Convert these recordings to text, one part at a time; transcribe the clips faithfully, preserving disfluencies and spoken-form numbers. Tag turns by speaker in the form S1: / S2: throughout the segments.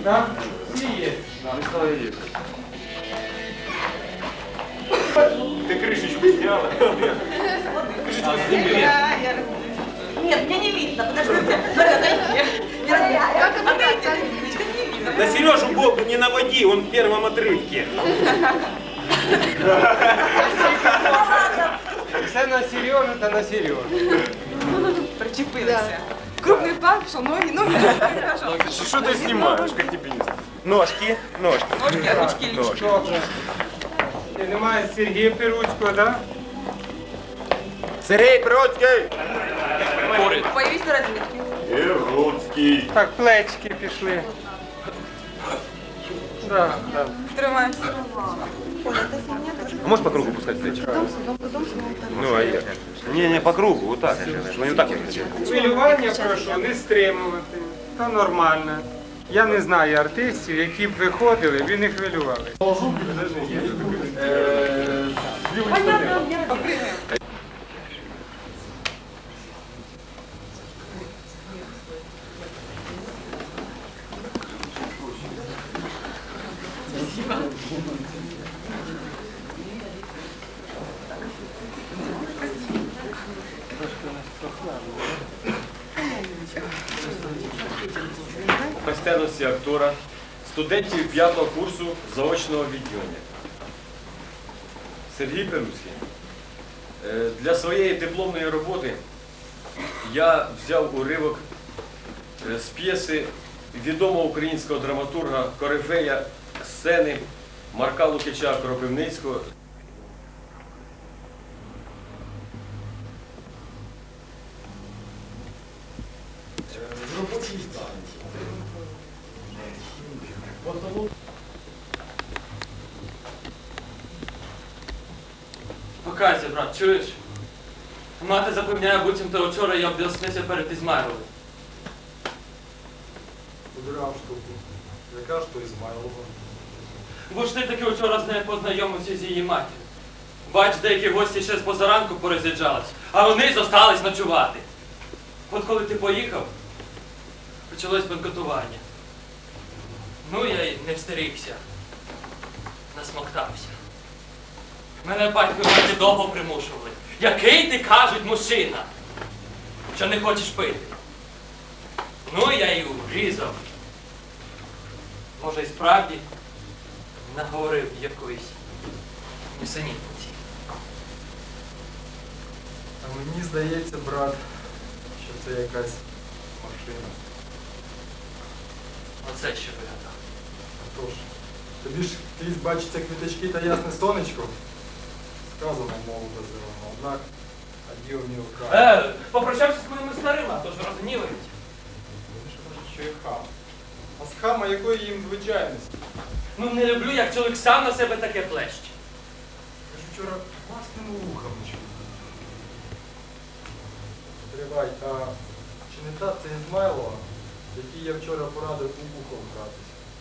S1: Да? Всі є.
S2: Ты крышечку сняла? Крышечку сними.
S3: Нет, мне не видно, подождите. Отойди. Как отойти? Не видно.
S2: Да Сережу Богу не наводи, он в первом отрывке.
S1: Все на Сережу та на Сережу.
S3: Причепилися. Крупный пар, что ноги, ноги.
S2: Что ты снимаешь, как тебе не Ножки, ножки.
S3: Ножки, ручки, лички.
S1: Добре. І немає Сергія Перуцького, да?
S2: Сергей Бродский.
S3: Появись на разметке.
S2: Перуцкий.
S1: Так, плечки пішли. Да, да.
S3: Тримаемся.
S2: А можешь по кругу пускать плечи? Ну, а я? Не, не по кругу, вот так. Ну, не так вот.
S1: Хвилювання прошу не стримувати. Та нормально. Я не знаю артистів, які б виходили, ви не хвилювали.
S4: Майстерності актора, студентів п'ятого курсу заочного відділення. Сергій Перуцький. Е, Для своєї дипломної роботи я взяв уривок е, з п'єси відомого українського драматурга, корифея сцени Марка Лукича Кропивницького.
S5: Покайся, брат, чуєш? Мати запевняє, буцімто вчора я обділснився перед Ізмайловим.
S6: Убирав штуку. Яка ж то Ізмайлова?
S5: Бо ж ти таки вчора з нею познайомився з її матір'ю. Бач, деякі гості ще з позаранку пороз'їжджались, а вони зостались ночувати. От коли ти поїхав, почалось бенкотування. Ну, я й не встерігся. Насмоктався. Мене батько і маті довго примушували. Який ти, кажуть, мужчина, що не хочеш пити? Ну, я й врізав. Може, і справді наговорив якоїсь нісенітниці.
S6: А мені здається, брат, що це якась машина.
S5: Оце що вигадав.
S6: Тож, тобі ж крізь бачиться квіточки та ясне сонечко. Сказано молодо зелено, однак, а діло не вкрай.
S5: Е, попрощався з моїми старими, а то ж розгнівають.
S6: Вони ж кажуть, що я хам. А з хама якої їм звичайності?
S5: Ну, не люблю, як чоловік сам на себе таке плещ.
S6: Я ж вчора власним вухом чув. Тривай, а чи не та це Ізмайлова, якій я вчора порадив у вухо вкратись?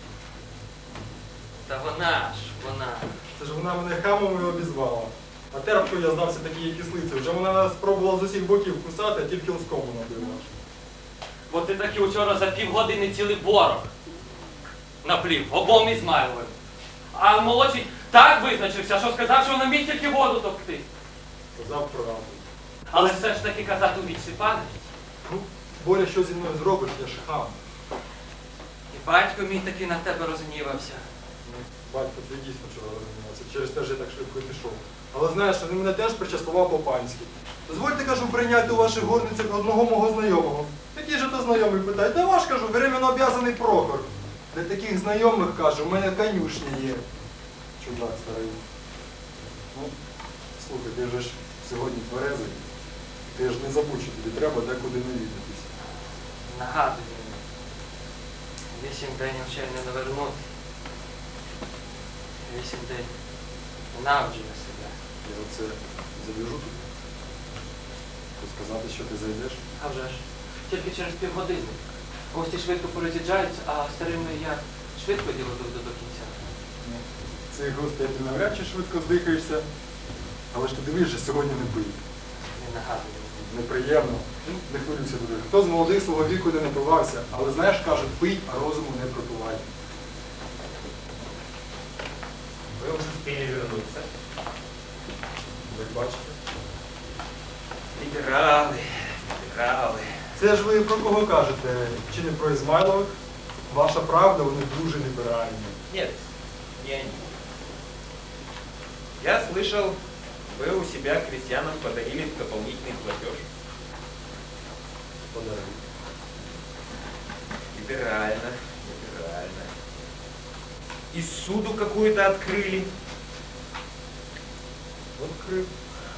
S5: Та вона ж, вона.
S6: Це ж вона мене хамом і обізвала. А терпкою я здався такій кислиці. Вже вона нас спробувала з усіх боків кусати, а тільки оскому набила.
S5: Бо ти таки вчора за півгодини цілий борок наплів, обом Ізмайловим. А молодший так визначився, що сказав, що вона міг тільки воду топти.
S6: Сказав правду.
S5: Але все ж таки казати у вічці пам'яті.
S6: Ну, Боря, що зі мною зробиш, я ж хам.
S5: І батько мій таки на тебе розгнівався.
S6: Ну, батько, ти дійсно вчора розумівався. Через те ж я так швидко і пішов. Але знаєш, він мене теж причастував по-панськи. Дозвольте, кажу, прийняти у ваших горницях одного мого знайомого. Який же то знайомий питає? Та ваш, кажу, временно обв'язаний Прохор. Для таких знайомих, кажу, у мене конюшня є. Чудак старий. Ну, слухай, ти вже ж сьогодні тверезий. Ти ж не забудь, що тобі треба декуди навідатись.
S5: Нагадую мені. Вісім день вчення не вернути. Вісім день ненавидження себе.
S6: Я оце забіжу тут. Тут сказати, що ти зайдеш.
S5: А вже ж. Тільки через півгодини. Гості швидко пороз'їжджаються, а старими я швидко діло доведу до кінця.
S6: Ну, цих гостей ти навряд чи швидко здихаєшся. Але ж ти дивись, що сьогодні не пий.
S5: Не нагадую.
S6: неприємно. Ну, не хвилюйся дуже. Хто з молодих свого віку не напивався, але знаєш, кажуть, пий, а розуму не пропивай.
S2: Вы уже успели вернуться.
S6: Ви бачите?
S2: Либералы, либералы.
S6: Це ж ви про кого кажете? Чи не про Ізмайлових? Ваша правда, вони дуже ліберальні.
S2: Нет, не они. Я слышал, вы у себя крестьянам подарили дополнительный платеж.
S6: Подарунок.
S2: Либерально, либерально. И суду какую-то открыли.
S6: Открив.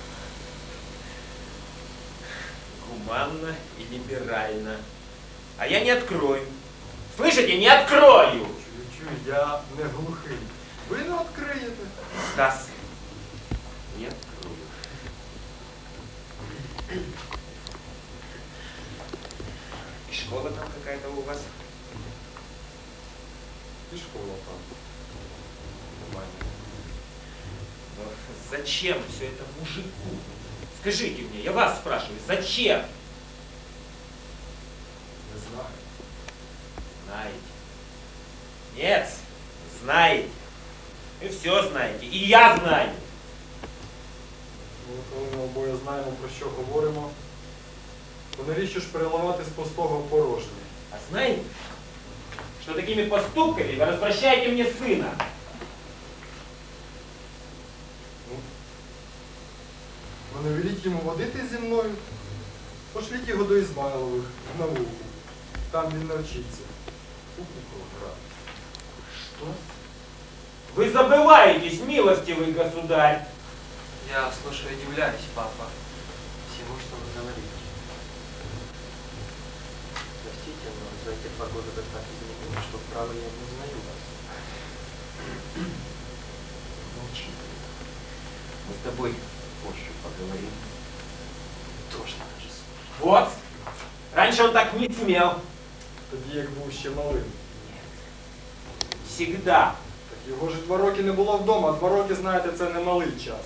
S2: Гуманно и либерально. А я не открою. Слышите, не открою!
S6: Чую, я не глухий. Ви не відкриєте.
S2: Стас, не открою. И школа там какая-то у вас?
S6: І школа там. Нормально.
S2: Но зачем все это мужику? Скажите мне, я вас спрашиваю, зачем?
S6: Не знаю.
S2: Знаете. Нет, знаете. Вы все знаете. И я знаю.
S6: Ну, коли ми обоє знаємо, про що говоримо, то навіщо ж переливати з пустого в порожнє?
S2: А знаете, что такими поступками вы развращаете мне сына?
S6: Ви не веліть йому водити зі мною, пошліть його до Ізмайлових в науку. Там він навчиться. Купу грати.
S2: Что? Вы забываетесь, милостивый государь.
S7: Я слушаю и удивляюсь, папа, всему, что вы говорите. Простите, но за эти два года вы так изменились, что право я не узнаю вас.
S2: Молчи. Мы с тобой позже поговорим.
S7: Тоже надо же слушать.
S2: Вот. Раньше он так не смел.
S6: Тоді як був ще малим.
S2: Всегда.
S6: Так його ж два роки не було вдома, а два роки, знаєте, це не малий час.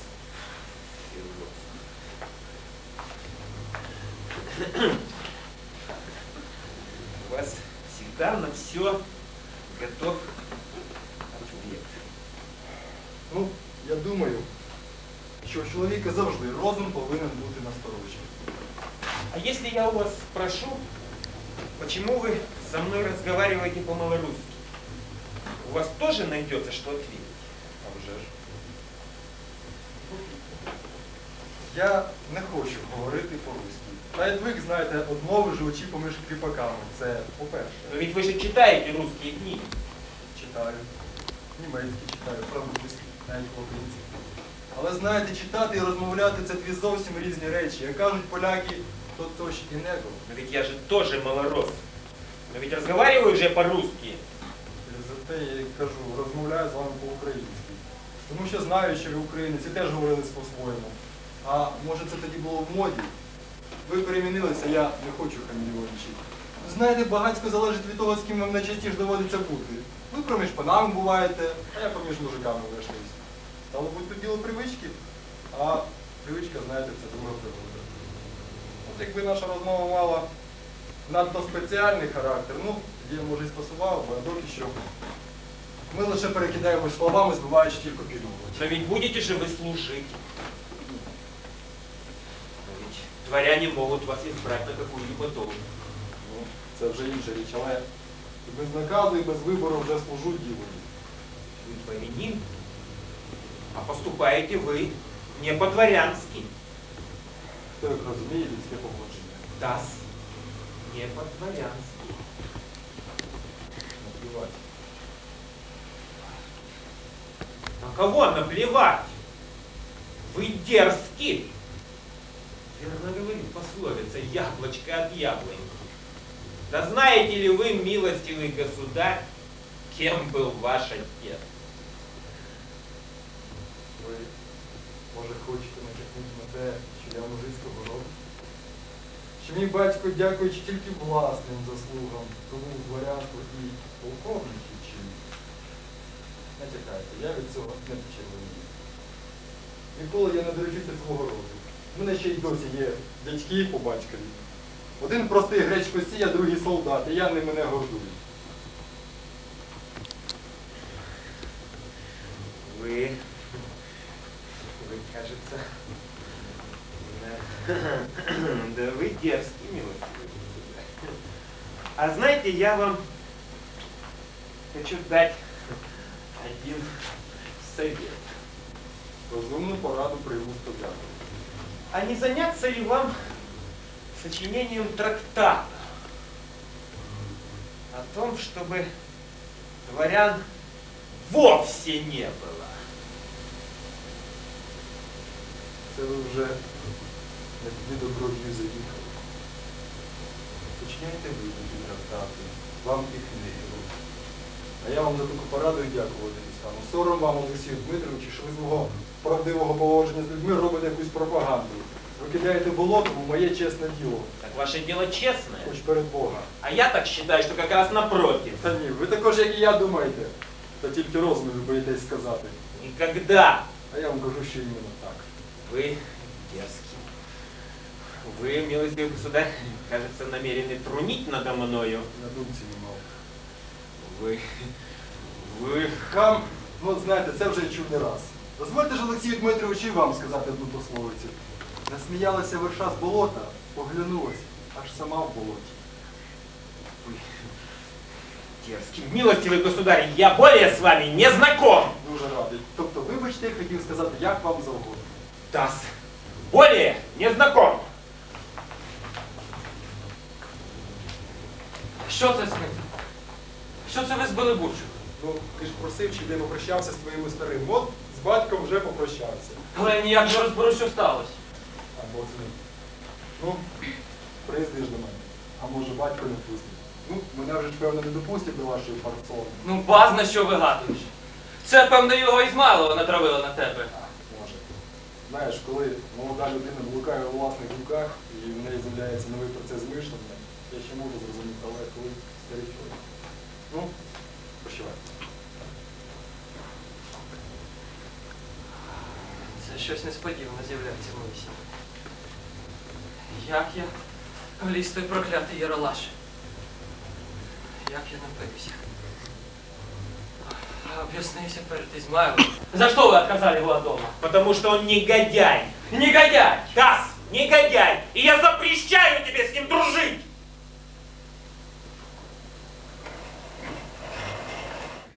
S2: У вас всегда на все готов ответ.
S6: Ну, я думаю, що у чоловіка завжди розум повинен бути насторожі.
S2: А если я у вас спрошу, почему вы со мной разговариваете по-малорусски? У вас тоже найдется, что ответить?
S6: А вже ж. Я не хочу говорити по-руськи. Та й ви знаєте, одмови живучи поміж кріпаками. Це по-перше.
S2: Но ведь вы же читаете русские книги.
S6: Читаю. Німецький читаю, французький, навіть по-українськи. Але знаєте, читати і розмовляти це дві зовсім різні речі. Як кажуть поляки, то точ і него.
S2: Но ведь я же тоже малорос. Но ведь разговариваю же по-русски.
S6: Зате я і кажу, розмовляю з вами по-українськи. Тому що знаю, що ви українці теж говорили по-своєму. А може це тоді було в моді? Ви перемінилися, я не хочу хамільйончик. Знаєте, багатько залежить від того, з ким вам найчастіше доводиться бути. Ви проміж панами буваєте, а я поміж мужиками вийшлюсь. Стало бути тут діло привички, а привичка, знаєте, це друга пригода. От якби наша розмова мала надто спеціальний характер, ну, тоді я, може, і спасував, бо доки що. Ми лише перекидаємось словами, збиваючи тільки підмову.
S2: Но ведь будете же вы слушать. Но ведь дворяне могут вас избрать на какую-либо должность.
S6: Ну, це вже інша річ, але і без наказу, і без вибору вже служу ділові.
S2: Вы дворянин, а поступаете вы не по-дворянски.
S6: Хто як розуміє людське поводження.
S2: Тас, не по-дворянски.
S6: Наплівати.
S2: На кого наплевать? Вы дерзки. Верно говорит пословица, яблочко от яблони. Да знаете ли вы, милостивый государь, кем был ваш отец?
S6: Ви, може, хочете натякнути на те, що я мужицького роду? Що мій батько, дякуючи тільки власним заслугам, тому дворянство і полковників чинить. Натякайте, я від цього не почервонію. Ніколи я не доручуся свого роду. У мене ще й досі є дядьки по батькові. Один простий гречкосій, а другий солдат, і я ними не гордую.
S2: Вы, вы, кажется, да, да вы дерзкий, милостивый государь. А знаете, я вам хочу дать один совет.
S6: Розумну пораду прийму студенту.
S2: А не заняться ли вам сочинением трактата о том, чтобы дворян вовсе не было?
S6: Це ви вже не туди добродію заїхали. Починяйте ви такі трактати, вам їх не віру. А я вам за таку пораду і дякувати не стану. Сором вам, Олексію Дмитровичу, що ви з мого правдивого поводження з людьми робите якусь пропаганду. Ви кидаєте болотом у моє чесне діло,
S2: Так ваше дело честное.
S6: хоч перед Богом.
S2: А я так считаю, что как раз напротив.
S6: Та ні, ви також, як і я, думаєте. Та тільки розум ви боїтесь сказати.
S2: Никогда.
S6: А я вам кажу, що іменно так.
S2: Вы дерзкий. Вы, милостивый государь, кажется, намерены трунить надо мною.
S6: На думці не мав.
S2: Вы, вы...
S6: Хам, ну знаєте, це вже я чув не раз. Дозвольте ж, Олексію Дмитровичу, і вам сказати одну пословицю. Насміялася верша з болота, поглянулась, аж сама в болоті.
S2: вы дерзкий. Милостивый государь, я более с вами не знаком.
S6: Дуже радий. Тобто, вибачте, я хотів сказати, як вам завгодно.
S2: Тас, более не знаком.
S5: Що це з ним? Що це ви збили бучу?
S6: Ну, ти ж просив, чи де попрощався з твоїм старим. От з батьком вже попрощався.
S5: Але я ніяк не розберу, що сталося.
S6: А Бог з ним. Ну, приїздиш до мене. А може батько не пустить. Ну, мене вже ж певно не допустять до вашої парцони.
S5: Ну, базна, що вигадуєш. Це, певно, його Ізмайлова натравила на тебе.
S6: Може. Знаєш, коли молода людина блукає у власних руках і в неї з'являється новий процес мишлення, я ще можу зрозуміти, але коли старий чоловік. Ну, прощавай.
S5: Це щось несподіване з'являється в моїй сім'ї. Як я вліз той проклятий Яралаш? Як я напився? Об'яснився перед Ізмайлом. За що ви отказали його від дома?
S2: Потому что он негодяй.
S5: Негодяй!
S2: Тас, негодяй. И я запрещаю тебе с ним дружить.